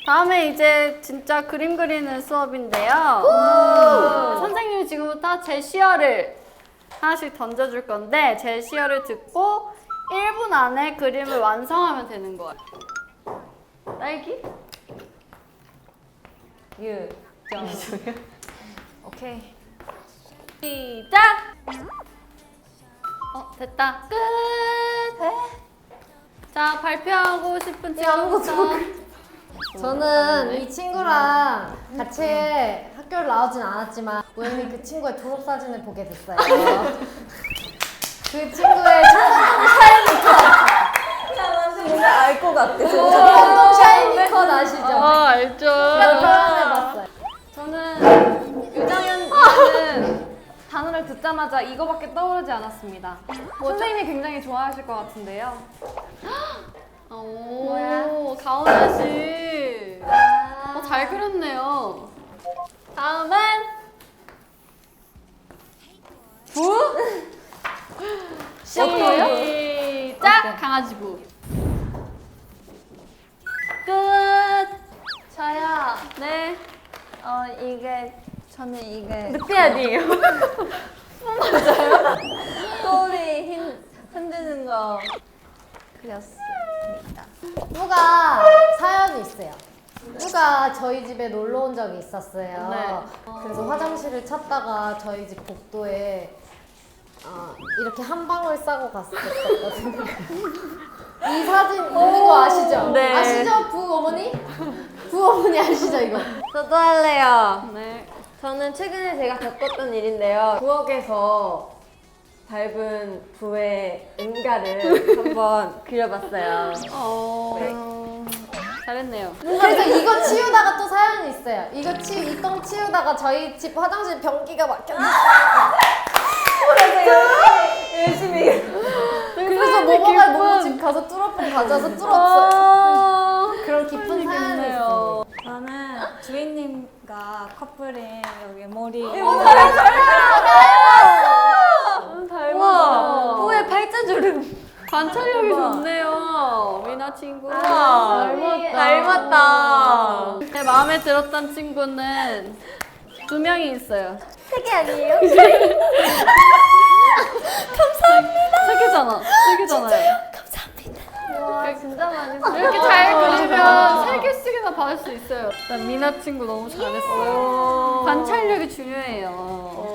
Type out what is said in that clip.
다음에 이제 진짜 그림 그리는 수업인데요. 선생님이 지금부터 제시어를 하나씩 던져줄 건데 제시어를 듣고 1분 안에 그림을 완성하면 되는 거예요. 딸기? 오케이. 시작! 됐다. 끝! 자, 발표하고 싶은 친구부터. 저는 이 친구랑 같이 학교를 나오진 않았지만 우연히 그 친구의 졸업사진을 보게 됐어요. 그 친구의 청담동 샤이니 컷! 알 것 같아. 청담동 샤이니 컷 아시죠? 알죠. 표현해봤어요. 저는 유정현님은 단어를 듣자마자 이거밖에 떠오르지 않았습니다. 선생님이 굉장히 좋아하실 것 같은데요. 오, 가온아 씨. 잘 그렸네요. 다음은 시작! 강아지부. 끝! 저요. 네. 저는 이게 늑대 아니에요? 꼬리 흔드는 거 그렸습니다. 누가 사연이 있어요. 누가 저희 집에 놀러 온 적이 있었어요. 네. 그래서 화장실을 찾다가 저희 집 복도에 이렇게 한 방울 싸고 갔었거든요. 이 사진 있는 거 아시죠? 네. 아시죠? 부어머니? 부어머니 아시죠 이거? 저도 할래요. 네. 저는 최근에 제가 겪었던 일인데요. 부엌에서 밟은 부의 응가를 한번 그려봤어요. 잘했네요. 그래서 이거 치우다가 또 사연이 있어요. 이 똥 치우다가 저희 집 화장실 변기가 막혔어요. 열심히. 그래서 모모가 모모 집 가서 뚫어폰 가져와서 뚫었어요. 그런 깊은 사연이 있어요. 저는 주인님과 커플인 여기 머리 우와, 부의 발자주름. 관찰력이 좋네요. 미나 친구. 닮았다. 제 마음에 들었던 친구는 2명이 있어요. 세 개 아니에요? 세 개잖아. 세 개잖아요. 와, 진짜 많이 이렇게 잘 그리면 3개씩이나 받을 수 있어요. 난 미나 친구 너무 잘했어요. 관찰력이 중요해요.